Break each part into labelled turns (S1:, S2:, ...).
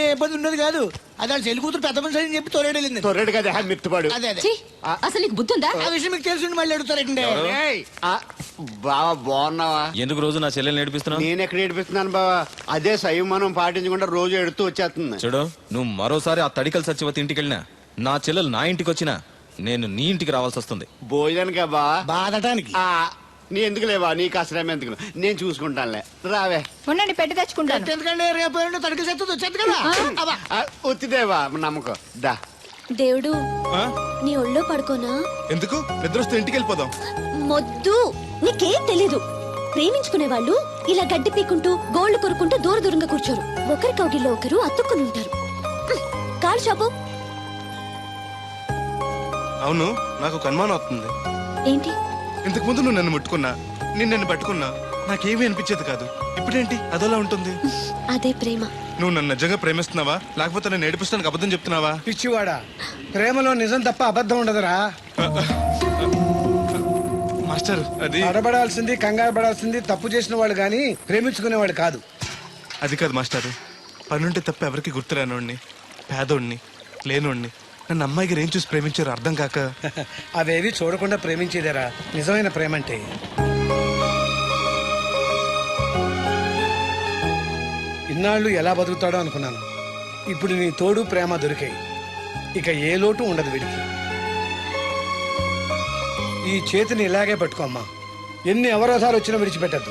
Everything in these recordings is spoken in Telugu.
S1: ఏ పది ఉండదు కాదు. అది వాళ్ళ చెల్లి కూతురు పెద్ద మనిషి అని చెప్పి తోలేడు వెళ్ళింది.
S2: తొర్రెడు కదా మిత్తుపాడు.
S1: అదే అదే
S3: ఛీ, అసలు నీకు బుద్ధి ఉందా?
S1: ఆ విషయం మీకు తెలిసి మళ్ళీ అడుగుతారండి.
S2: బావా బాగున్నావా?
S4: ఎందుకు రోజు నా చెల్లెల్ని ఏడిపిస్తున్నావు?
S2: నేను ఎక్కడ ఏడిపిస్తున్నాను బావా? అదే సంయమనం పాటించకుండా రోజు ఎడుతూ వచ్చేస్తుంది.
S4: చూడు, నువ్వు మరోసారి ఆ తడికల సత్యవతి ఇంటికి వెళ్ళినా, నా చెల్లెలు నా ఇంటికి వచ్చినా నేను నీ ఇంటికి రావాల్సి వస్తుంది.
S2: భోజనానికా బావా?
S1: బాధటానికి.
S2: నీ ఎందుకు లేవా? నీకు అసలేం ఎందుకు, నేను చూసుకుంటానులే. రావే.
S3: ఉండండి, పెట్టి తెచ్చుకుంటాను.
S1: ఎందుకంటే రేపు తడికి సత్తు వచ్చేది కదా.
S2: ఒత్తిదేవా నమ్మకం. దా
S5: దేవుడు, నీ ఒళ్ళో పడుకోనా?
S6: ఎందుకు? నిద్రొస్తే ఇంటికి వెళ్ళిపోదాం.
S5: మొద్దు, నీకేం తెలీదు. ప్రేమించుకునే వాళ్ళు ఇలా గడ్డి పీకుంటూ గోళ్లు కొరుకుంటూ దూర దూరంగా కూర్చోరు. ఒకరి కౌగిల్లో ఒకరు అతుక్కుని ఉంటారు. కాలు షాపు.
S6: అవును, నాకు ఒక అనుమానం అవుతుంది.
S5: ఏంటి?
S6: ఇంతకు ముందు నువ్వు నన్ను ముట్టుకున్నా, నేను నన్ను పట్టుకున్నా, నాకేమీ అనిపించేది కాదు. ఇప్పుడేంటి అదోలా ఉంటుంది?
S5: అదే ప్రేమ.
S6: నువ్వు నన్ను నిజంగా ప్రేమిస్తున్నావా, లేకపోతే నన్ను ఏడిపిస్తానికి అబద్ధం చెప్తున్నావా?
S1: పిచ్చివాడా, ప్రేమలో నిజం తప్ప అబద్ధం ఉండదురా.
S6: మాస్టర్, అది
S1: అడబడాల్సింది, కంగారు పడాల్సింది తప్పు చేసిన వాళ్ళు గాని ప్రేమించుకునేవాడు కాదు.
S6: అది కాదు మాస్టారు. పనుంటే తప్ప ఎవరికి గుర్తురానోడిని, పేదోడిని, లేనోడిని నన్ను అమ్మాయి గారు ఏం చూసి ప్రేమించారు అర్థం కాక.
S1: అవేవి చూడకుండా ప్రేమించేదేరా నిజమైన ప్రేమ అంటే. ఇన్నాళ్ళు ఎలా బతుకుతాడో అనుకున్నాను. ఇప్పుడు నీ తోడు ప్రేమ దొరికాయి. ఇక ఏ లోటు ఉండదు వీడికి. ఈ చేతిని ఇలాగే పట్టుకోమ్మా. ఎన్ని అవరోధాలు వచ్చినా విడిచిపెట్టద్దు.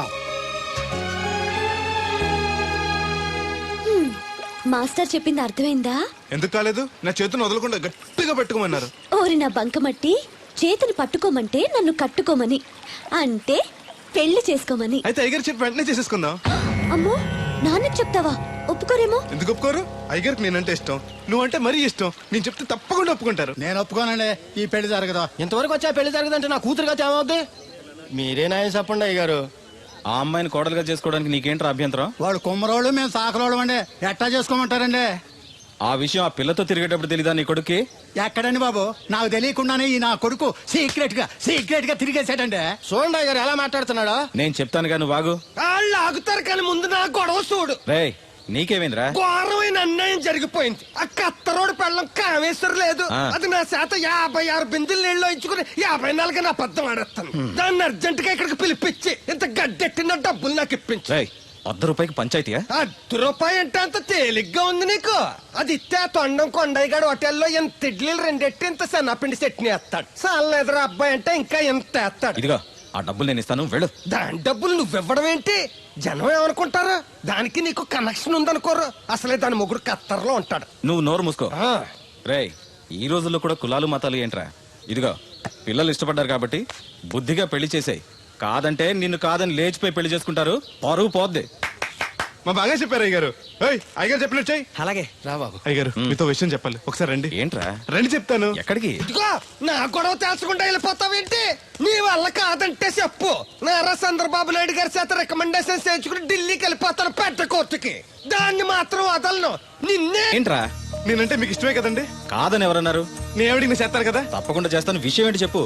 S5: మాస్టర్ చెప్పింది అర్థమైందా?
S6: ఎందుకు కాలేదు? నా చేతిని వదలకుండా గట్టిగా పట్టుకోమన్నారు.
S5: ఓరి నా బంకమట్టి, చేతిని పట్టుకోమంటే నన్ను కట్టుకోమని, అంటే పెళ్లి చేసుకోమని.
S6: అయితే అయ్యగారు చెప్పి వెంటనే చేసేసుకుందాం.
S5: అమ్మో, నాన్నకి చెప్తావా? ఒప్పుకోరేమో.
S6: ఎందుకు ఒప్పుకోరు? అయ్యగారికి నేనంటే ఇష్టం, నువ్వంటే మరీ ఇష్టం. నేను చెప్తే తప్పకుండా ఒప్పుకుంటారు.
S7: నేను ఒప్పుకోనండి. ఈ పెళ్లి జరగదు.
S8: ఇంతవరకు వచ్చా పెళ్లి జరగదంటే నా కూతురుగా ఏమవుద్ది? మీరే నాయం చెప్పండి అయ్యగారు.
S4: ఆ అమ్మాయిని కోడలుగా చేసుకోవడానికి నీకేంట్రా అభ్యంతరం?
S7: వాడు కుమ్మరోళ్ళు, మేము సాకరోళ్ళు అండి. ఎట్టా చేసుకోమంటారండి?
S4: ఆ విషయం ఆ పిల్లతో తిరిగేటప్పుడు తెలీదా నీ కొడుక్కి?
S7: ఎక్కడండి బాబు, నాకు తెలియకుండానే ఈ నా కొడుకు సీక్రెట్ గా తిరిగేసాడండి.
S8: చూడండి అయ్యగారు ఎలా మాట్లాడుతున్నాడా.
S4: నేను చెప్తాను కానీ వాగు.
S8: వాళ్ళు ఆగుతారు కానీ ముందు నా గొడవ చూడు.
S4: రేయ్, నీకేమైందిరా?
S8: ఘోరమైన అన్యాయం జరిగిపోయింది. ఆ కత్తరోడు పెళ్ళం కామేశ్వర లేదు. అది నా చేత 56 బిందులు నీళ్ళు ఇచ్చుకుని 54 నా పద్దం ఆడేస్తాను. దాన్ని అర్జెంట్ గా ఇక్కడికి పిలిపించి ఇంత గడ్డెట్టిన డబ్బులు నాకు ఇప్పించు.
S4: ₹100 పంచాయతీయా?
S8: ₹10 అంటే అంత తేలిగ్గా ఉంది నీకు? అది ఇస్తే తొండం కొండయ్యగాడు హోటల్లో ఎంత ఇడ్లీలు 2 ఎట్టి ఇంత సన్నపిండి చట్నీ వేస్తాడు. సాల ఎదురు అబ్బాయి అంటే ఇంకా ఎంత వేస్తాడు.
S4: ఇదిగో ఆ డబ్బులు నేను ఇస్తాను, వెళ్ళు.
S8: దాని డబ్బులు నువ్వివ్వడం ఏంటి? జనం ఏమనుకుంటారు? దానికి నీకు కనెక్షన్ ఉందనుకోరు. అసలే దాని ముగ్గురు కత్తర్లో ఉంటాడు.
S4: నువ్వు నోరు మూసుకో. రేయ్, ఈ రోజుల్లో కూడా కులాలు మతాలు ఏంట్రా? ఇదిగో, పిల్లలు ఇష్టపడ్డారు కాబట్టి బుద్ధిగా పెళ్లి చేసేయ్. కాదంటే నిన్ను కాదని లేచిపోయి పెళ్లి చేసుకుంటారు, పరువు పోద్ది.
S6: మా బాగా చెప్పారు అయ్యగారు. అయ్యగారు చెప్పినట్టు చెయ్యి.
S8: అలాగే రా బాబు.
S6: అయ్యగారు, మీతో విషయం చెప్పాలి, ఒకసారి రండి.
S4: ఏంట్రా?
S6: రండి చెప్తాను.
S4: ఎక్కడికి?
S8: ఇదిగో, నా గొడవ తెలుసుకుంటా వెళ్ళిపోతావేంటి? నీ వల్ల కాదంటే చెప్పు. నారా చంద్రబాబు నాయుడు గారి చేత రికమెండేషన్ చేయించుకుని ఢిల్లీకి వెళ్ళిపోతాను పెద్ద కోర్టుకి. దాన్ని మాత్రం వదలను. నిన్నే.
S4: ఏంట్రా?
S6: నేనంటే మీకు ఇష్టమే కదండి.
S4: కాదని ఎవరన్నారు?
S6: నేను ఎవడికి చేస్తాను కదా.
S4: తప్పకుండా చేస్తాను. విషయం ఏంటి చెప్పు.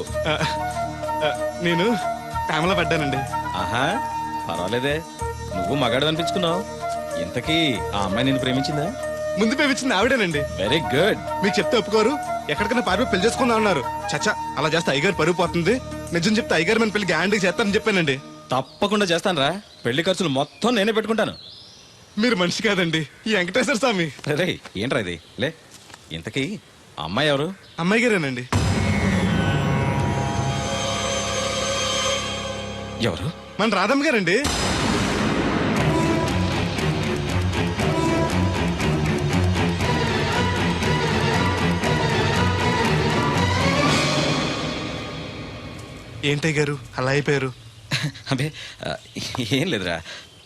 S6: నేను ప్రేమలో పడ్డానండి.
S4: ఆహా, పర్వాలేదే, నువ్వు మగాడు అనిపించుకున్నావు. ఇంతకీ ఆ అమ్మాయి నిన్ను ప్రేమించిందా?
S6: ముందు ప్రేమించింది ఆవిడేనండి.
S4: Very good.
S6: మీకు చెప్తే ఒప్పుకోరు, ఎక్కడికైనా పారిపోయి పెళ్లి చేసుకుందాం అన్నారు. చచ్చా, అలా చేస్తే అయ్యగారు పరుగు పోతుంది. నిజం చెప్తే అయ్యగారు మన పెళ్లి గ్యాండ్కి చేస్తానని చెప్పానండి.
S4: తప్పకుండా చేస్తాను రా. పెళ్లి ఖర్చులు మొత్తం నేనే పెట్టుకుంటాను.
S6: మీరు మనిషి కాదండి, ఈ వెంకటేశ్వర స్వామి.
S4: రే, ఏంట్రా ఇది? లే, ఇంతకీ అమ్మాయి ఎవరు?
S6: అమ్మాయి గారేనండి.
S4: ఎవరు?
S6: మన రాధమ్మ గారండి. ఏంటయ్య గారు అలా అయిపోయారు?
S4: అబే, ఏం లేదురా.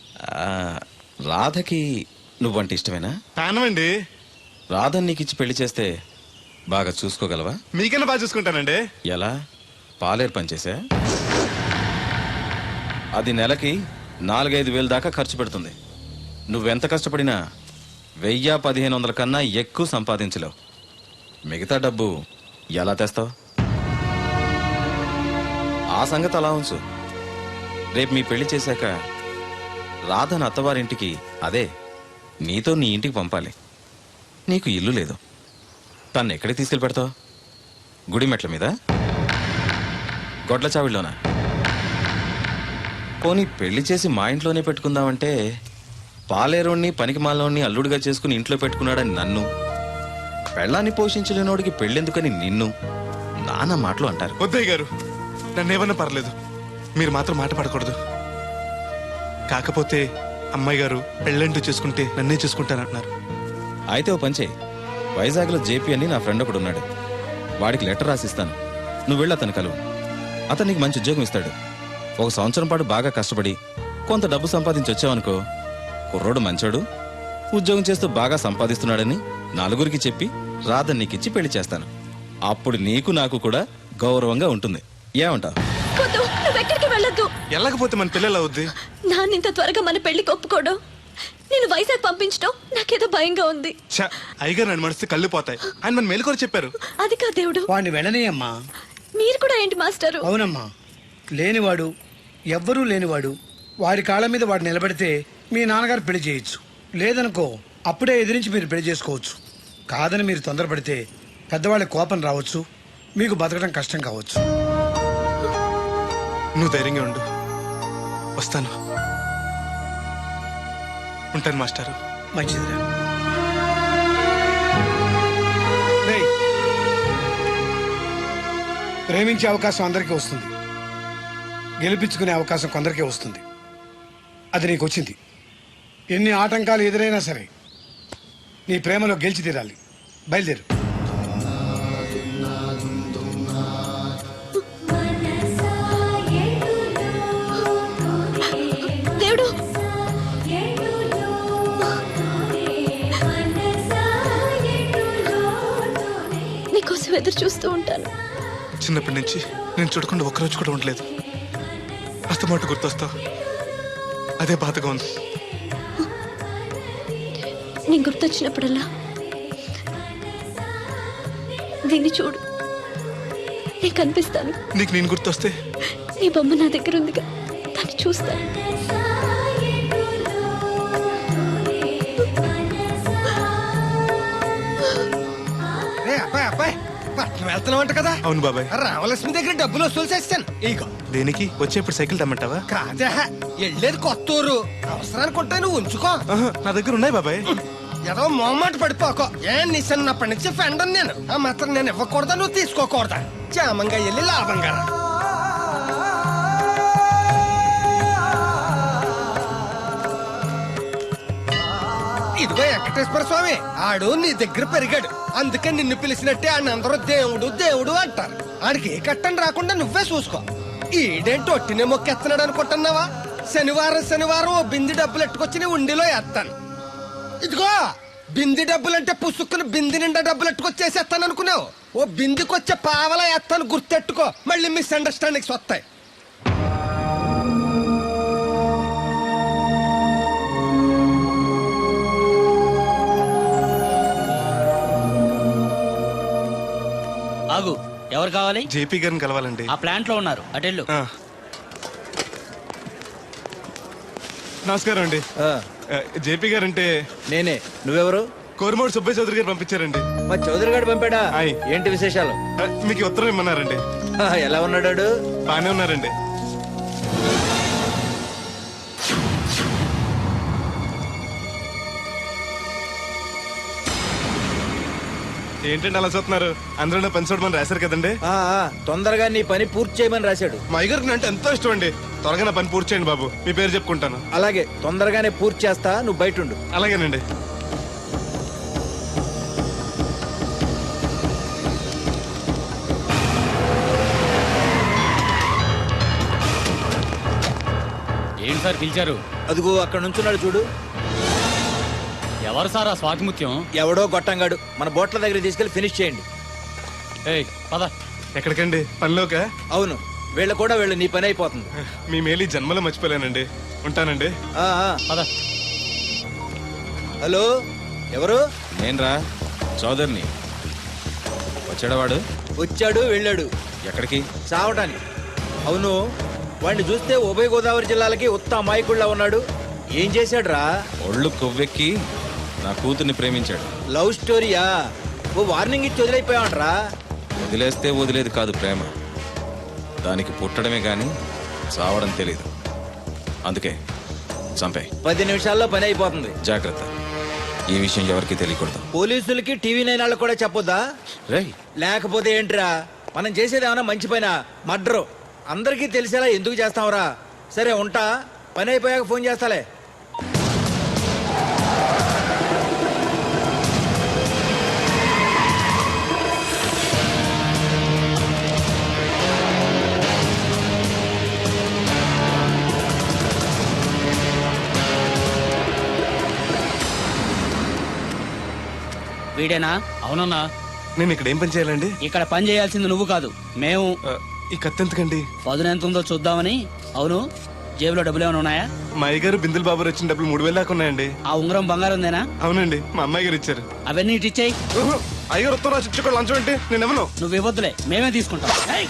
S4: రాధకి నువ్వంటే ఇష్టమేనా?
S6: ప్రాణమండి.
S4: రాధని నీకు ఇచ్చి పెళ్లి చేస్తే బాగా చూసుకోగలవా?
S6: మీకన్నా బాగా చూసుకుంటానండి.
S4: ఎలా? పాలేరు పనిచేసా? అది నెలకి 4-5 వేలు దాకా ఖర్చు పెడుతుంది. నువ్వెంత కష్టపడినా 1000-1500 కన్నా ఎక్కువ సంపాదించలేవు. మిగతా డబ్బు ఎలా తెస్తావు? ఆ సంగతి అలా ఉంచు. రేపు మీ పెళ్లి చేశాక రాధను అత్తవారింటికి, అదే నీతో నీ ఇంటికి పంపాలి. నీకు ఇల్లు లేదు. తను ఎక్కడికి తీసుకెళ్ళి పెడతావు? గుడి మెట్ల మీద, గొడ్ల చావిడిలోనా? పోనీ పెళ్లి చేసి మా ఇంట్లోనే పెట్టుకుందామంటే పాలేరోణ్ణి పనికి మాలోని అల్లుడిగా చేసుకుని ఇంట్లో పెట్టుకున్నాడని నన్ను, పెళ్ళాన్ని పోషించలేనోడికి పెళ్ళెందుకని నిన్ను నాన్న మాటలు అంటారు.
S6: వద్దయ్య గారు, నన్నేమన్నా పర్లేదు, మీరు మాత్రం మాట పడకూడదు. కాకపోతే అమ్మాయి గారు పెళ్ళంటూ చేసుకుంటే నన్నే చేసుకుంటానంటున్నారు.
S4: అయితే ఓ పంచే, వైజాగ్లో జేపీ అని నా ఫ్రెండ్ ఒకడు ఉన్నాడు. వాడికి లెటర్ రాసిస్తాను, నువ్వు వెళ్ళి అతను కలువు. అతను నీకు మంచి ఉద్యోగం ఇస్తాడు. 1 సంవత్సరం పాటు బాగా కష్టపడి కొంత డబ్బు సంపాదించి వచ్చావనుకో, కుర్రోడు మంచోడు, ఉద్యోగం చేస్తూ బాగా సంపాదిస్తున్నాడని నలుగురికి చెప్పి రాధని నీకిచ్చి పెళ్లి చేస్తాను. అప్పుడు నీకు నాకు కూడా గౌరవంగా ఉంటుంది. ఏమంటావు?
S5: వద్దు, నువ్వెక్కడికి వెళ్ళొద్దు.
S6: వెళ్ళకపోతే మన పిల్లలు అవుద్ది.
S5: నాన్న ఇంత త్వరగా మన పెళ్లికి ఒప్పుకోడు. నేను వైజాగ్ పంపించడం నాకేదో భయంగా ఉంది.
S6: అయ్యగారు నన్ను మనస్తే కళ్ళు పోతాయి. ఆయన మన మేలుకొని చెప్పారు.
S5: అది కా దేవుడు.
S1: వాడిని వెళ్ళనీయమ్మా.
S5: మీరు కూడా ఏంటి మాస్టారు?
S1: అవునమ్మా, లేనివాడు, ఎవ్వరూ లేనివాడు, వాడి కాళ్ళ మీద వాడు నిలబడితే మీ నాన్నగారు పెళ్లి చేయొచ్చు. లేదనుకో అప్పుడే ఎదిరించి మీరు పెళ్లి చేసుకోవచ్చు. కాదని మీరు తొందరపడితే పెద్దవాళ్ళ కోపం రావచ్చు, మీకు బతకడం కష్టం కావచ్చు.
S6: నువ్వు ధైర్యంగా ఉండు, వస్తాను. ఉంటాను మాస్టారు.
S1: మంచిదిరా. రేయ్, ప్రేమించే అవకాశం అందరికీ వస్తుంది, గెలిపించుకునే అవకాశం కొందరికే వస్తుంది. అది నీకు వచ్చింది. ఎన్ని ఆటంకాలు ఎదురైనా సరే నీ ప్రేమలో గెలిచి తీరాలి. బయలుదేరు.
S5: దేవుడు, నీకోసం ఎదురు చూస్తూ ఉంటాను.
S6: చిన్నప్పటి నుంచి నేను చూడకుండా ఒక్కరోజు కూడా ఉండలేదు. అస్తమాట గుర్తొస్తావు, అదే బాధగా ఉంది.
S5: నేను గుర్తొచ్చినప్పుడల్లా దీన్ని చూడు, నేను కనిపిస్తాను.
S6: నీకు నేను గుర్తొస్తే
S5: నీ బొమ్మ నా దగ్గర ఉందిగా, దాన్ని చూస్తాను.
S8: అబ్బాయి పట్నం వెళ్తున్నావంట కదా?
S6: అవును బాబాయ్.
S8: రామలక్ష్మి దగ్గర డబ్బులు వసూలు చేస్తాను. ఇగో.
S6: దేనికి? వచ్చేప్పుడు సైకిల్ తెమ్మంటావా?
S8: కాదా, వెళ్ళేది కొత్తూరు, అవసరానికి ఉంటాయి, నువ్వు ఉంచుకో.
S6: ఆహా, నా దగ్గర ఉన్నాయి బాబాయ్.
S8: ఏదో మొహమాట పడిపోకో. నీ చిన్నప్పటి నుంచి ఫ్రెండ్ నేను. ఆ మాత్రం నేను ఇవ్వకూడదా, నువ్వు తీసుకోకూడదా? క్షేమంగా వెళ్ళి లాభంగా రా. ఇదిగో వెంకటేశ్వర స్వామి, ఆడు నీ దగ్గర పెరిగాడు, అందుకే నిన్ను పిలిచినట్టే ఆయన అందరూ దేవుడు దేవుడు అంటారు. ఆడికి ఏ కట్టం రాకుండా నువ్వే చూసుకో. ఈడేంటి ఒట్టినే మొక్కెత్తనాడు అనుకుంటున్నావా? శనివారం శనివారం ఓ బింది డబ్బులు ఎట్టుకొచ్చి నీ ఉండిలో వేస్తాను. ఇదిగో బింది డబ్బులంటే పుసుక్కుని బింది నిండా డబ్బులు ఎట్టుకొచ్చేసేస్తాను అనుకున్నావు. ఓ బిందికొచ్చే పావలా వేస్తాను, గుర్తెట్టుకో. మళ్ళీ మిస్అండర్స్టాండింగ్స్ వస్తాయి.
S9: ఆగు, ఎవరు కావాలి?
S6: జేపీ గారిని కలవాలండి.
S9: ఆ ప్లాంట్ లో ఉన్నారు, అటెళ్ళు.
S6: నమస్కారం అండి. జేపీ గారు అంటే
S10: నేనే. నువ్వెవరు?
S6: కోరమూడు సుబ్బయ్య చౌదరి గారు పంపించారండి.
S10: మా చౌదరి గారు పంపాడా?
S6: ఆయ్.
S10: ఏంటి విశేషాలు?
S6: మీకు ఉత్తరం ఇమ్మన్నారండి.
S10: ఎలా ఉన్నాడు?
S6: బానే ఉన్నారండి. ఏంటండి అలా చూస్తున్నారు? అందరూ పని చూడమని రాశారు కదండి.
S10: తొందరగా నీ పని పూర్తి చేయమని రాశాడు.
S6: మా అయ్యగారికి అంటే ఎంతో ఇష్టం అండి. త్వరగా నా పని పూర్తి చేయండి బాబు, మీ పేరు చెప్పుకుంటాను.
S10: అలాగే, తొందరగానే పూర్తి చేస్తా, నువ్వు బయట ఉండు.
S6: అలాగేనండి.
S9: ఏంటి సార్ పిలిచారు?
S10: అదిగో అక్కడ నుంచున్నాడు చూడు.
S9: ఎవరు సార్ ఆ స్వాతిముత్యం?
S10: ఎవడో గొట్టంగాడు. మన బోట్ల దగ్గర తీసుకెళ్లి ఫినిష్ చేయండి.
S9: పద.
S6: ఎక్కడికండి? పనిలోకా?
S10: అవును, వీళ్ళ కూడా వీళ్ళు, నీ పని అయిపోతుంది.
S6: మీ మేలు ఈ జన్మలో మర్చిపోలేనండి. ఉంటానండి.
S9: పద.
S10: హలో, ఎవరు?
S4: నేనరా, చౌదరిని. వచ్చాడవాడు?
S10: వచ్చాడు, వెళ్ళాడు.
S4: ఎక్కడికి?
S10: చావటానికి. అవును, వాడిని చూస్తే ఉభయ గోదావరి జిల్లాలకి ఉత్త అమాయకుళ్ళ ఉన్నాడు. ఏం చేశాడు రా?
S4: ఒళ్ళు కొవ్వెక్కి నా కూతుర్ని ప్రేమించాడు.
S10: లవ్ స్టోరీయా? ఓ వార్నింగ్ ఇచ్చి వదిలేకపోయావంట్రా.
S4: వదిలేస్తే వదిలేదు కాదు ప్రేమ, దానికి పుట్టడమే గాని చావడం తెలీదు. అందుకే చంపే.
S10: 10 నిమిషాల్లో పని అయిపోతుంది.
S4: జాగ్రత్త, ఈ విషయం ఎవరికి తెలియకూడదు.
S10: పోలీసులకి టీవీ 9 వాళ్ళకి కూడా చెప్పొద్దా?
S4: రేయ్,
S10: లేకపోతే ఏంట్రా, మనం చేసేది ఏమైనా మంచి పైన మర్డరు అందరికీ తెలిసేలా ఎందుకు చేస్తావురా? సరే ఉంటా, పని అయిపోయాక ఫోన్ చేస్తాలే.
S9: వీడేనా? అవునన్నా.
S6: నేను ఇక్కడ ఏం పని చేయాలండి?
S9: ఇక్కడ పని చేయాల్సింది నువ్వు కాదు, మేము.
S6: ఈ కత్తి ఎందుకండి?
S9: పదును ఎంత ఉందో చూద్దామని. అవును, జేబులో డబ్బులు ఏమైనా ఉన్నాయా?
S6: మా అయ్యగారు బిందులు బాబు వచ్చిన డబ్బులు 3000 దాకా ఉన్నాయండి.
S9: ఆ ఉంగరం బంగారం ఉందేనా?
S6: అవునండి, మా అమ్మాయి గారు ఇచ్చారు.
S9: అవన్నీ ఇటు ఇచ్చేయి.
S6: అయ్యగారు ఉత్తరం రాసి ఇచ్చుకోవాలి, లంచం అంటే నేను ఎవరు?
S9: నువ్వు ఇవ్వద్దులే, మేమే తీసుకుంటాం. ఏయ్!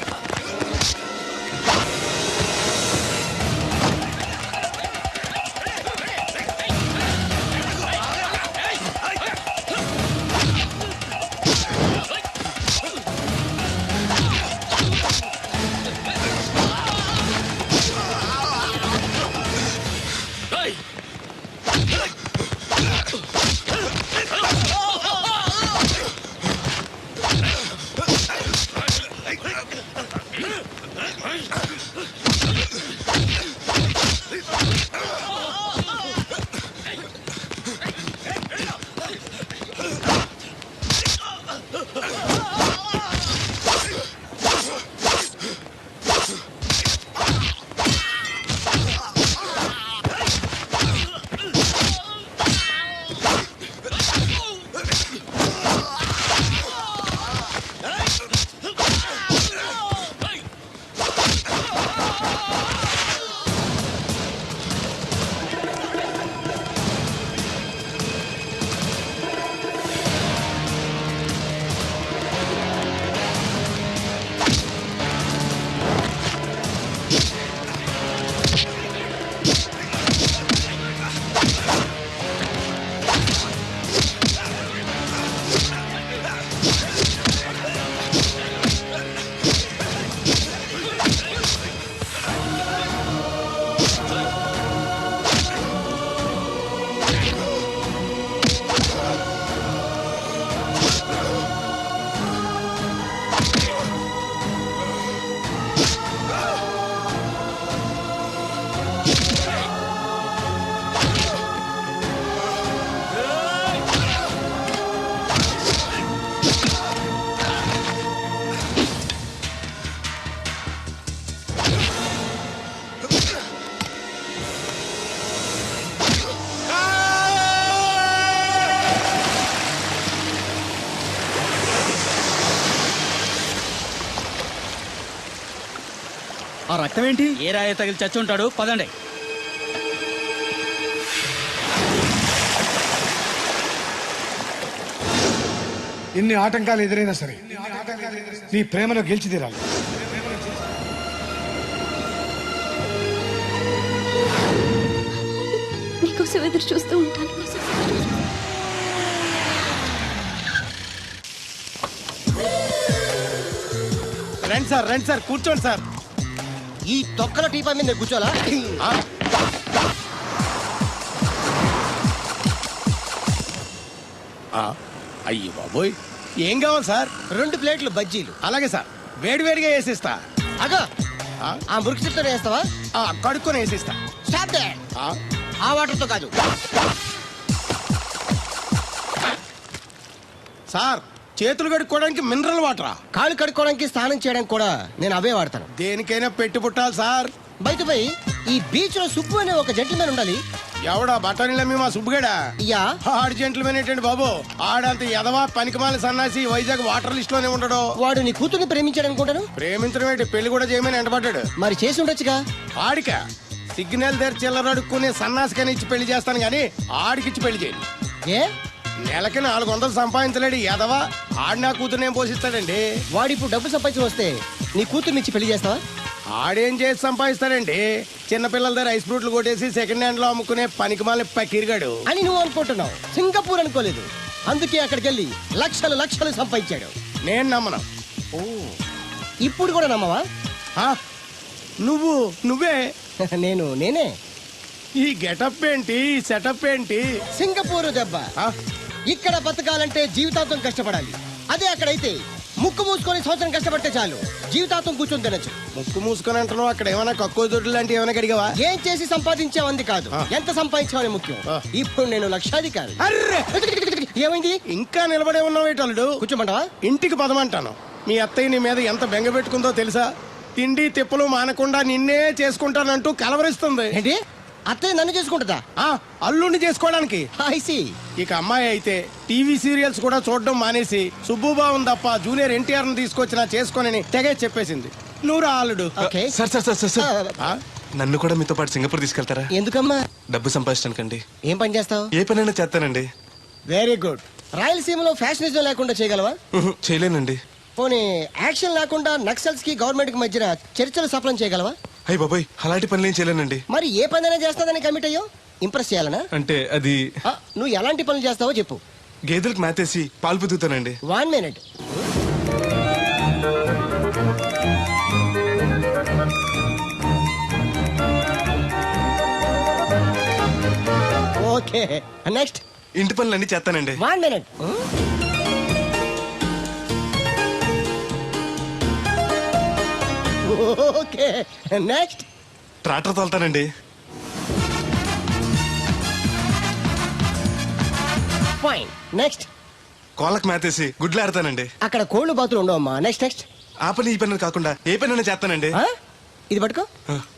S8: ఆ రక్తం ఏంటి?
S9: ఏ రాయ తగిలి చచ్చి ఉంటాడు. పదండి.
S1: ఎన్ని ఆటంకాలు ఎదురైనా సరే నీ ప్రేమలో గెలిచి తీరాలి.
S5: నీకోసం ఎదురు చూస్తూ ఉంటాను.
S8: రండి సార్ కూర్చోండి సార్.
S7: ఈ తొక్కల టీపా మీద నేను కూర్చోాలా?
S8: అయ్యి బాబోయ్, ఏం కావాలి సార్?
S7: 2 ప్లేట్లు బజ్జీలు.
S8: అలాగే సార్, వేడివేడిగా వేసిస్తా.
S7: అగో ఆ మురికి చెప్తా వేస్తావా?
S8: కడుక్కొని వేసిస్తా.
S7: Stop they. ఆ వాటర్తో కాదు
S8: సార్, చేతులు కడుక్కోవడానికి మినరల్ వాటరా?
S7: కాళ్ళు కడుక్కోవడానికి స్నానం చేయడానికి కూడా నేను అవే వాడతాను.
S8: దేనికైనా పెట్టి పుట్టాలి సార్.
S7: బయటపై ఈ బీచ్ లో సుబ్బు అనే ఒక జెంటిల్మెన్ ఉండాలి.
S8: ఎవడా బఠానీలమ్మి మా సుబ్బుగడా?
S7: యా.
S8: ఆడు జెంట్లమేన్ ఏంటండి బాబు? ఆడంత ఎదవా పనికిమాల సన్నాసి వైజాగ్ వాటర్ లిస్ట్ లోనే ఉండడు.
S7: వాడు నీ కూతుర్ని ప్రేమించాడు అనుకుంటాను.
S8: ప్రేమించడం ఏంటి, పెళ్లి కూడా చేయమని ఎంటపడ్డాడు.
S7: మరి చేసి ఉండొచ్చుగా.
S8: ఆడిక సిగ్నల్ దగ్గర చిల్లర అడుక్కునే సన్నాసికని ఇచ్చి పెళ్లి చేస్తాను గానీ ఆడికిచ్చి పెళ్లి చేయండి.
S7: ఏ
S8: నెలకి 400 సంపాదించలేడు ఎదవా. ఆడి నా కూతురు ఏం పోషిస్తాడండి?
S7: వాడు ఇప్పుడు డబ్బు సంపాదించి వస్తే నీ కూతుర్ని ఇచ్చి పెళ్లి చేస్తావా?
S8: ఆడేం చేసి సంపాదిస్తాడండి చిన్నపిల్లల దగ్గర ఐస్ ఫ్రూట్లు కొట్టేసి సెకండ్ హ్యాండ్ లో అమ్ముకునే పనికిమాలిన పకీర్గాడు
S11: అని నువ్వు అనుకుంటున్నావు. సింగపూర్ అనుకోలేదు. అందుకే అక్కడికి వెళ్ళి లక్షలు లక్షలు సంపాదించాడు.
S8: నేను నమ్మను.
S11: ఇప్పుడు కూడా నమ్మవా?
S8: ఆ? నువ్వే
S11: నేనే
S8: ఈ గెటప్ ఏంటి, ఈ సెటప్ ఏంటి?
S11: సింగపూర్ దెబ్బ.
S8: ఆ?
S11: ఇక్కడ బతకాలంటే జీవితాంతం కష్టపడాలి. అదే అక్కడైతే ముక్కు మూసుకొని సంవత్సరం కష్టపడితే చాలు, జీవితాంతం కూర్చొని తినచ్చు.
S8: ముక్కు మూసుకొని అంటున్నావు, అక్కడ ఏమైనా కక్కువ దొడ్లు లాంటివి ఏమైనా కడిగావా?
S11: ఏం చేసి సంపాదించావంది కాదు, ఎంత సంపాదించావని ముఖ్యం. ఇప్పుడు నేను లక్షాధికారి.
S8: అర్రే
S11: ఏమైంది?
S8: ఇంకా నిలబడే ఉన్నావు ఏటల్లుడు?
S11: కూర్చోమంటావా?
S8: ఇంటికి పదమంటాను. మీ అత్తయ్య నీ మీద ఎంత బెంగ పెట్టుకుందో తెలుసా? తిండి తిప్పలు మానకుండా నిన్నే చేసుకుంటానంటూ కలవరిస్తుంది.
S11: ఏంటి? అత్తయ్య నన్ను చేసుకుంటుందా?
S8: ఆ అల్లుడిని చేసుకోవడానికి.
S11: I see.
S8: ఇక అమ్మాయి అయితే టీవీ సీరియల్స్ కూడా చూడడం మానేసి సుబ్బుబాబుని తప్ప జూనియర్ ఎన్టీఆర్ ని తీసుకొచ్చినా చేసుకోనని తెగే చెప్పేసింది. నువ్వు రా అల్లుడు.
S11: ఓకే.
S6: సార్
S8: ఆ?
S6: నన్ను కూడా మీతో పాటు సింగపూర్ తీసుకెళ్తారా?
S11: ఎందుకమ్మా?
S6: డబ్బు సంపాదించడానికండి.
S11: ఏం పని చేస్తావు?
S6: ఏ పనైనా చేస్తానండి.
S11: Very good. రాయలసీమలో ఫ్యాషనిజం లేకుండా చేయగలవా?
S6: చేయలేనండి.
S11: పోనీ యాక్షన్ లేకుండా నక్సల్స్ కి గవర్నమెంట్ కి మధ్యన చర్చలు సఫలం చేయగలవా?
S6: అయ్యి బాబాయ్, అలాంటి పనులు ఏం చేయలేనండి.
S11: మరి ఏ పనైనా చేస్తాదని కమిట్ అయ్యో? ఇంప్రెస్ చేయాలనా?
S6: అంటే అది
S11: నువ్వు ఎలాంటి పనులు చేస్తావో చెప్పు.
S6: గేదెలకు మేతేసి పాలు పుదుగుతానండి.
S11: 1 minute. Okay, next.
S6: ఇంటి పనులు అన్ని చేస్తానండి.
S11: 1 minute. Okay, next.
S6: ట్రాక్టర్ తోలుతానండి.
S11: Fine, next.
S6: కోళ్ళకు మేతేసి గుడ్లు ఆడతానండి.
S11: అక్కడ కోళ్ళు బాతులు ఉండవమ్మా. నెక్స్ట్.
S6: ఆ పని ఈ పని కాకుండా ఏ పనైనా చేస్తానండి.
S11: ఇది పట్టుకో.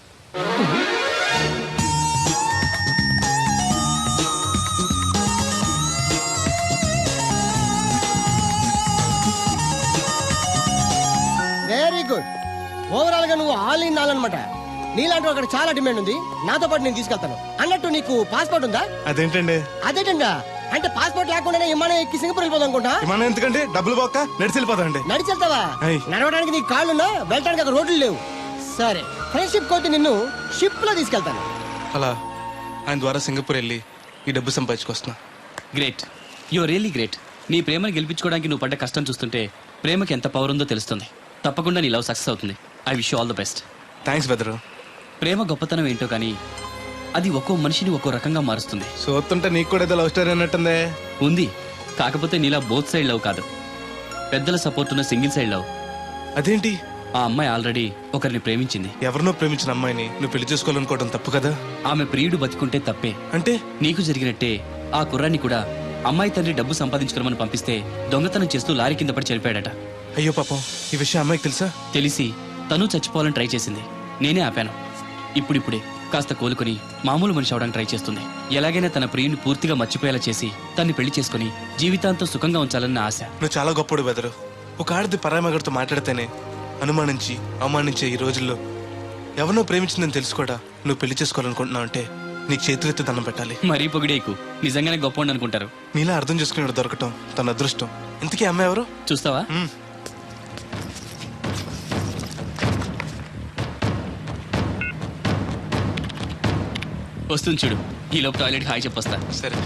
S11: Very good. ఓవరాల్ గా నువ్వు ఆల్ ఇన్ ఆల్ అనమాట. నీలాంటి అక్కడ చాలా డిమాండ్ ఉంది. నాతో పాటు నేను తీసుకెళ్తాను. అన్నట్టు నీకు పాస్పోర్ట్ ఉందా?
S6: అదేంటండి?
S11: అదేటండా అంటే పాస్పోర్ట్ లేకుండానే విమానం ఎక్కి సింగపూర్ వెళ్ళిపోదాం అనుకుంటా.
S6: విమానం ఎందుకండి? డబ్బులు పోక నడిచి వెళ్ళిపోతాండి.
S11: నడిచి వెళ్తావా?
S6: అయ్.
S11: నడవడానికి నీకు కాళ్ళున్నా, వెళ్ళడానికి అక్కడ రోడ్లు లేవు. సరే, ఫ్రెండ్షిప్ కోతి నిన్ను షిప్ లో తీసుకెళ్తాను.
S6: అలా ఆయన ద్వారా సింగపూర్ వెళ్ళి ఈ డబ్బు సంపాదించుకొస్తున్నా.
S9: Great, your really great. నీ ప్రేమను గెలిపించుకోవడానికి నువ్వు పడ్డ కష్టం చూస్తుంటే ప్రేమకి ఎంత పవర్ ఉందో తెలుస్తుంది. తప్పకుండా నీ లవ్ సక్సెస్ అవుతుంది. I wish you all the best.
S6: Thanks బెదరు.
S9: ప్రేమ గొప్పతనం ఏంటో కానీ అది ఒక్కో మనిషిని ఒక్కో రకంగా మారుస్తుంది.
S6: చూస్తుంటే నీకు కూడా ఏదో లవ్ స్టోరీ అన్నట్టుందే.
S9: ఉంది, కాకపోతే నీలా బోత్ సైడ్ లవ్ కాదు, పెద్దల సపోర్ట్ ఉన్న సింగిల్ సైడ్ లవ్.
S6: అదేంటి?
S9: ఆ అమ్మాయి ఆల్రెడీ ఒకరిని ప్రేమించింది.
S6: ఎవరినో ప్రేమించిన అమ్మాయిని నువ్వు పెళ్లి చేసుకోవాలనుకోవడం తప్పు కదా?
S9: ఆమె ప్రియుడు బతికుంటే తప్పే.
S6: అంటే
S9: నీకు జరిగినట్టే ఆ కుర్రాన్ని కూడా అమ్మాయి తండ్రి డబ్బు సంపాదించుకోమని పంపిస్తే దొంగతనం చేస్తూ లారీ కింద పడి చనిపోయాడట.
S6: అయ్యో పాపం, ఈ విషయం అమ్మాయికి తెలుసా?
S9: తెలిసి తను చచ్చిపోవాలని ట్రై చేసింది. నేనే ఆపాను. ఇప్పుడిప్పుడే కాస్త కోలుకొని మామూలు మనిషి అవడానికి ట్రై చేస్తుంది. ఎలాగైనా తన ప్రియుని పూర్తిగా మర్చిపోయేలా చేసి తన్ని పెళ్లి చేసుకుని జీవితాంతం సుఖంగా ఉంచాలని ఆశ.
S6: నువ్వు చాలా గొప్పడు బెదరు. ఒక ఆడది పరామగడితో మాట్లాడితేనే అనుమానించి అవమానించే ఈ రోజుల్లో ఎవరినో ప్రేమించిందని తెలుసుకోడా నువ్వు పెళ్లి చేసుకోవాలనుకుంటున్నావు అంటే నీకు చేతులెత్తి దండం పెట్టాలి.
S9: మరీ పొగిడేకు, నిజంగానే గొప్ప అనుకుంటారు.
S6: నీలా అర్థం చేసుకునే దొరకటం తన అదృష్టం. ఇంతకీ అమ్మాయి ఎవరు?
S9: చూస్తావా? వస్తుంది చూడు. ఈ లోపు టాయిలెట్ హాయ్ చెప్పొస్తా.
S6: సరే.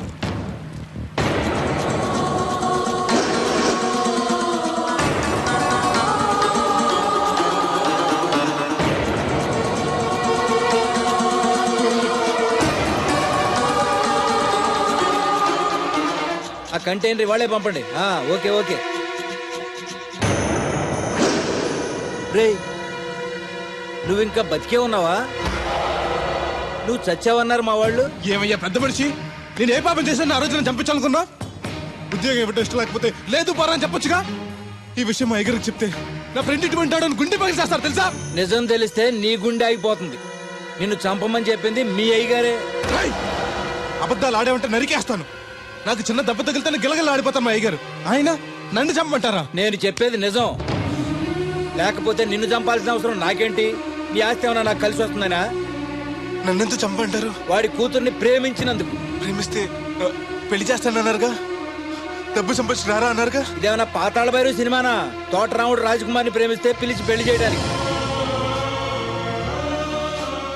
S10: ఆ కంటైనర్ వాళ్ళే పంపండి. Okay okay. రే, నువ్వు ఇంకా బతికే ఉన్నావా? నువ్వు చచ్చావన్నారు మా వాళ్ళు.
S6: ఏమయ్యా పెద్ద మనిషి, నేను ఏ పాపం చేశాను ఆ రోజు నేను చంపించాలనుకున్నా? ఉద్యోగం ఇవ్వడం ఇష్టం లేకపోతే లేదు పోరా అని చెప్పొచ్చుగా. ఈ విషయం మా ఎగరికి చెప్తే నా ఫ్రెండ్ ఇటువంటి వాడు గుండె పగిలి చేస్తారు తెలుసా?
S10: నిజం తెలిస్తే నీ గుండె ఆగిపోతుంది. నిన్ను చంపమని చెప్పింది మీ అయ్యగారే.
S6: అబద్ధాలు ఆడేమంటే నరికేస్తాను. నాకు చిన్న దెబ్బ తగిలితే గిలగల ఆడిపోతాను మా అయ్యగారు. ఆయన నన్ను చంపమంటారా?
S10: నేను చెప్పేది నిజం. లేకపోతే నిన్ను చంపాల్సిన అవసరం నాకేంటి? నీ ఆస్తి ఏమన్నా నాకు కలిసి వస్తుందనా?
S6: నన్నెందుకు చంపంటారు?
S10: వాడి కూతుర్ని ప్రేమించినందుకు.
S6: ప్రేమిస్తే పెళ్లి చేస్తానన్నారుగా, డబ్బు సంపాదించి రారా అన్నారుగా.
S10: ఇదేమన్నా పాతాళ భైరవ సినిమానా? తోటరాముడు రాజకుమార్ని ప్రేమిస్తే పిలిచి పెళ్లి చేయడానికి.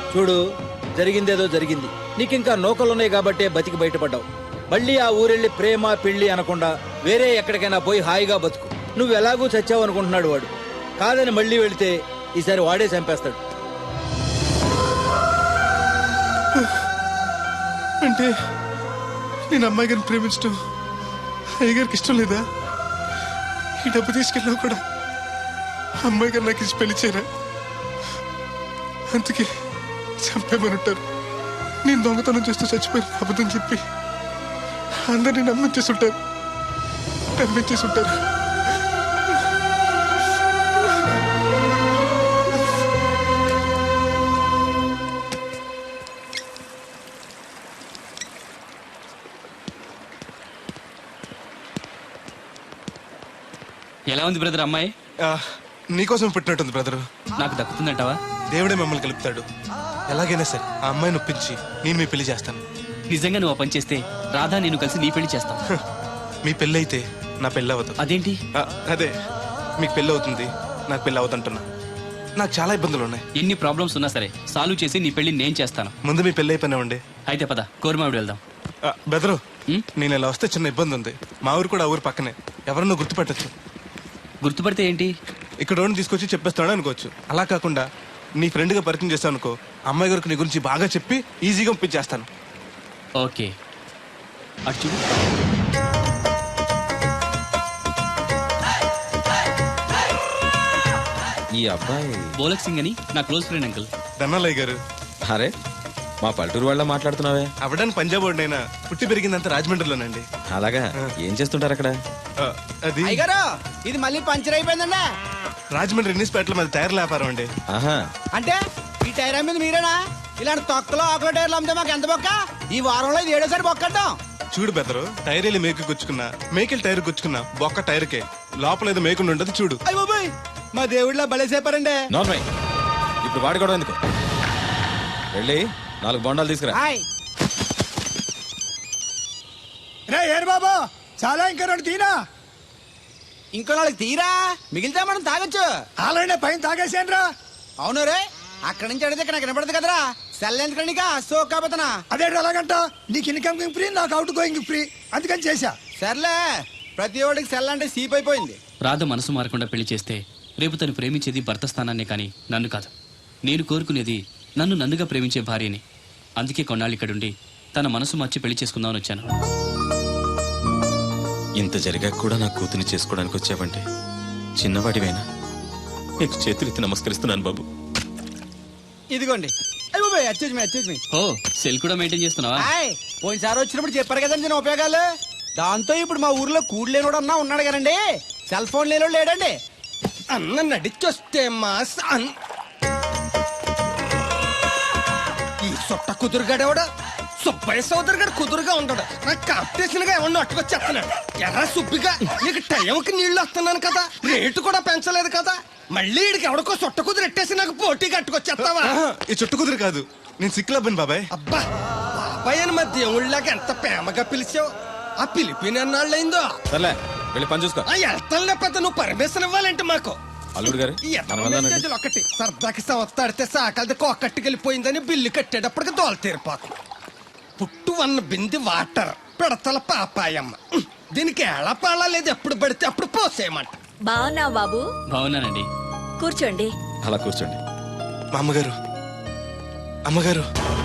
S10: చూడు, జరిగిందేదో జరిగింది. నీకింకా నూకలున్నాయి కాబట్టే బతికి బయటపడ్డావు. మళ్ళీ ఆ ఊరెళ్ళి ప్రేమ పెళ్లి అనకుండా వేరే ఎక్కడికైనా పోయి హాయిగా బతుకు. నువ్వు ఎలాగూ చచ్చావు అనుకుంటున్నాడు వాడు. కాదని మళ్ళీ వెళితే ఈసారి వాడే చంపేస్తాడు.
S6: అంటే నేను అమ్మాయి గారిని ప్రేమించడం అయ్యగారికి ఇష్టం లేదా? ఈ డబ్బు తీసుకెళ్ళినా కూడా అమ్మాయి గారు నాకు ఇచ్చి పెళ్లి చేయరా? అందుకే చంపేమని ఉంటారు. నేను దొంగతనం చేస్తూ చచ్చిపోయిన అబద్ధం చెప్పి అందరినీ నమ్మించేస్తుంటారు.
S9: ఎలా ఉంది బ్రదర్ అమ్మాయి?
S6: నీకోసం పుట్టినట్టుంది బ్రదరు.
S9: నాకు దక్కుతుందంటావా?
S6: దేవుడే మమ్మల్ని కలుపుతాడు. ఎలాగైనా సరే ఆ అమ్మాయిని ఒప్పించి నేను మీ పెళ్లి చేస్తాను.
S9: నిజంగా నువ్వు ఆ పని చేస్తే రాధా నేను కలిసి నీ పెళ్లి చేస్తాం.
S6: మీ పెళ్ళి అయితే నా పెళ్ళి అవ్వదు.
S9: అదేంటి?
S6: అదే, మీకు పెళ్ళి అవుతుంది, నాకు పెళ్ళి అవుతుంటున్నా. నాకు చాలా ఇబ్బందులు ఉన్నాయి.
S9: ఎన్ని ప్రాబ్లమ్స్ ఉన్నా సరే సాల్వ్ చేసి నీ పెళ్లి నేను చేస్తాను.
S6: ముందు మీ పెళ్ళి అయిపోయినామండి.
S9: అయితే పద కోరమావిడి వెళ్దాం.
S6: బెదరు, నేను ఇలా వస్తే చిన్న ఇబ్బంది ఉంది. మా ఊరు కూడా ఆ ఊరు పక్కనే, ఎవరన్నా గుర్తుపెట్టచ్చు.
S9: గుర్తుపడితే ఏంటి?
S6: ఇక్కడ తీసుకొచ్చి చెప్పేస్తాడు అనుకోవచ్చు. అలా కాకుండా నీ ఫ్రెండ్గా పరిచయం చేస్తాను అనుకో, అమ్మాయి గారికి నీ గురించి బాగా చెప్పి ఈజీగా పంపించేస్తాను.
S9: ఓకే, అటు చూడు.
S4: ఈ అబ్బాయి
S9: బోలక్ సింగ్ అని నా క్లోజ్ ఫ్రెండ్ అంకుల్.
S6: ధనాలయ్య గారు.
S4: అరే, మా పల్లెటూరు వాళ్ళ మాట్లాడుతున్నావే?
S6: అవడానికి పంజాబ్ వాడినైనా పుట్టి పెరిగిందంత రాజమండ్రిలోనండి.
S4: అలాగా? ఏం చేస్తుంటారు అక్కడ?
S6: అది
S10: ఇది మళ్ళీ పంచర్ అయిపోయిందండి.
S6: రాజమండ్రి ఇన్నిస్పేటలో మాది టైర్ వ్యాపారం అండి.
S4: ఆహా,
S10: అంటే ఈ టైర్ అమ్మేది మీరేనా? ఇలాంటి తొక్కలో ఆకుల టైర్లు అమ్మితే మాకు ఎంత బొక్క? ఈ వారంలో ఇది 7వ సారి బొక్కడ్డాం.
S6: చూడు బెదరు, టైర్ వెళ్ళి మేకు గుచ్చుకున్నా, మేకెళ్ళి టైర్ గుచ్చుకున్నా, బొక్క టైర్కే లోపల ఏదో మేకుండా ఉండదు. చూడు.
S10: అయ్య బాబాయ్, మా దేవుడిలా బలేసేపారండి.
S4: నార్మల్. ఇప్పుడు వాడి కూడా ఎందుకు? వెళ్ళి 4 బొండాలు తీసుకురా.
S1: ఏరు బాబా, చాలా ఇంకా 2 తీనా.
S10: ఇంకో 4 తీరా, మిగిలితే మనం తాగొచ్చు.
S1: ఆల్రెడీ పైన తాగేసాను రా.
S10: అవును రే, అక్కడి నుంచి అడిగితే ఇక్కడ నాకు వినపడదు కదరా. సెల్ ఎందుకనిక సోకాబోతున్నా.
S1: అదే అలాగంట, నీకు ఇన్కమ్ ఫ్రీ, నాకు అవుట్ గోయింగ్ ఫ్రీ, అందుకని చేశా.
S10: సర్లే, ప్రతి ఒడికి సెల్ అంటే సీప్ అయిపోయింది.
S9: రాధ మనసు మారకుండా పెళ్లి చేస్తే రేపు తను ప్రేమించేది భర్త స్థానాన్నే కానీ నన్ను కాదు. నేను కోరుకునేది నన్ను నన్నుగా ప్రేమించే భార్యని. అందుకే కొన్నాళ్ళు ఇక్కడుండి తన మనసు మార్చి పెళ్లి చేసుకుందామని వచ్చాను.
S4: ఇంత జరిగాక కూడా నా కూతుని చేసుకోవడానికి వచ్చావంటే చిన్నవాడివైనా నీకు చేతులెత్తి నమస్కరిస్తున్నాను బాబు.
S10: ఇదిగోండి. అయ్య బాబాయ్, అచ్చేజ్ మీ.
S9: ఓ, సెల్ కూడా మెయింటైన్ చేస్తున్నావా?
S10: పోయినసారి వచ్చినప్పుడు చెప్పారు కదండి నేను ఉపయోగాలు. దాంతో ఇప్పుడు మా ఊర్లో కూడు లేనోడు అన్నా ఉన్నాడు కదండి. సెల్ ఫోన్ లేనోడు లేడండి.
S8: అన్న నడిచొస్తే మాస్ ఈ సొట్ట కుదురుగాడేవాడు సుబ్బయ్య సోదరు గారు కుదురుగా ఉండడు. నాకు కాంపిటీషన్ గా ఏమన్నా అట్టుకొచ్చేస్తున్నాడు. ఎర్ర సుబ్బిగా నీకు టైంకి నీళ్లు వస్తున్నాను కదా, రేటు కూడా పెంచలేదు కదా, మళ్ళీ ఇడికి ఎవడికో సొట్ట కుదురు ఎట్టేసి నాకు పోటీ కట్టుకొచ్చేస్తావా?
S6: ఈ చుట్టు కుదురు కాదు, నేను సిక్కులబ్బాను బాబాయ్.
S8: అబ్బా, బాబాయ్ అని మా దేవుళ్ళకి ఎంత ప్రేమగా పిలిచావు. ఆ పిలిపిన ఎన్నాళ్ళైందో.
S4: సర్లే, వెళ్ళి పని చూసుకో.
S8: ఆ వెళ్తాను, లేకపోతే నువ్వు పర్మిషన్ ఇవ్వాలంటే మాకు.
S4: అల్లుడు గారు,
S8: ఈ మెసేజ్లు ఒకటి సరదాకి సంవత్సరాడితే సాకలది కోకట్టుకెళ్ళిపోయిందని బిల్లు కట్టేటప్పటికి దోల తీరిపోతుంది. పుట్టు 1 బింది వాటర్ పిడతల పాపాయమ్మ. దీనికి ఎలా పాలా లేదు, ఎప్పుడు పడితే అప్పుడు పోసేయమంట.
S5: బాగున్నావు బాబు?
S9: బాగున్నానండి.
S5: కూర్చోండి.
S4: అలా కూర్చోండి.
S6: మా అమ్మగారు, అమ్మగారు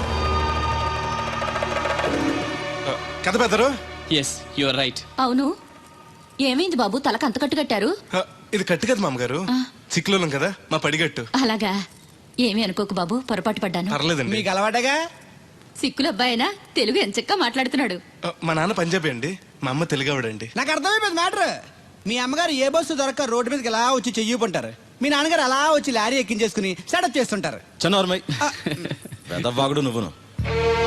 S6: కథ బెదరు.
S9: Yes, you are right.
S3: అవును, ఏమైంది బాబు, తలకు అంత కట్టు కట్టారు?
S6: ఇది కట్టు కదా మామగారు, చిక్కులోలం కదా మా పడిగట్టు.
S3: అలాగా? ఏమీ అనుకోకు బాబు, పొరపాటు పడ్డాను.
S6: పర్లేదండి.
S10: మీకు అలవాటగా.
S3: సిక్కుల అబ్బాయినా తెలుగు ఎంచక్కా మాట్లాడుతున్నాడు.
S6: మా నాన్న పంజాబీ అండి, మా అమ్మ తెలుగావిడండి.
S10: నాకు అర్థమైపోయింది మ్యాటర్. మీ అమ్మగారు ఏ బస్సు దొరక్క రోడ్డు మీదకి ఎలా వచ్చి చెయ్యిపుంటారు. మీ నాన్నగారు అలా వచ్చి లారీ ఎక్కించేసుకుని సెటప్ చేస్తుంటారు.
S4: చన్నోర్మై, పెద్దవాగుడు నువ్వును.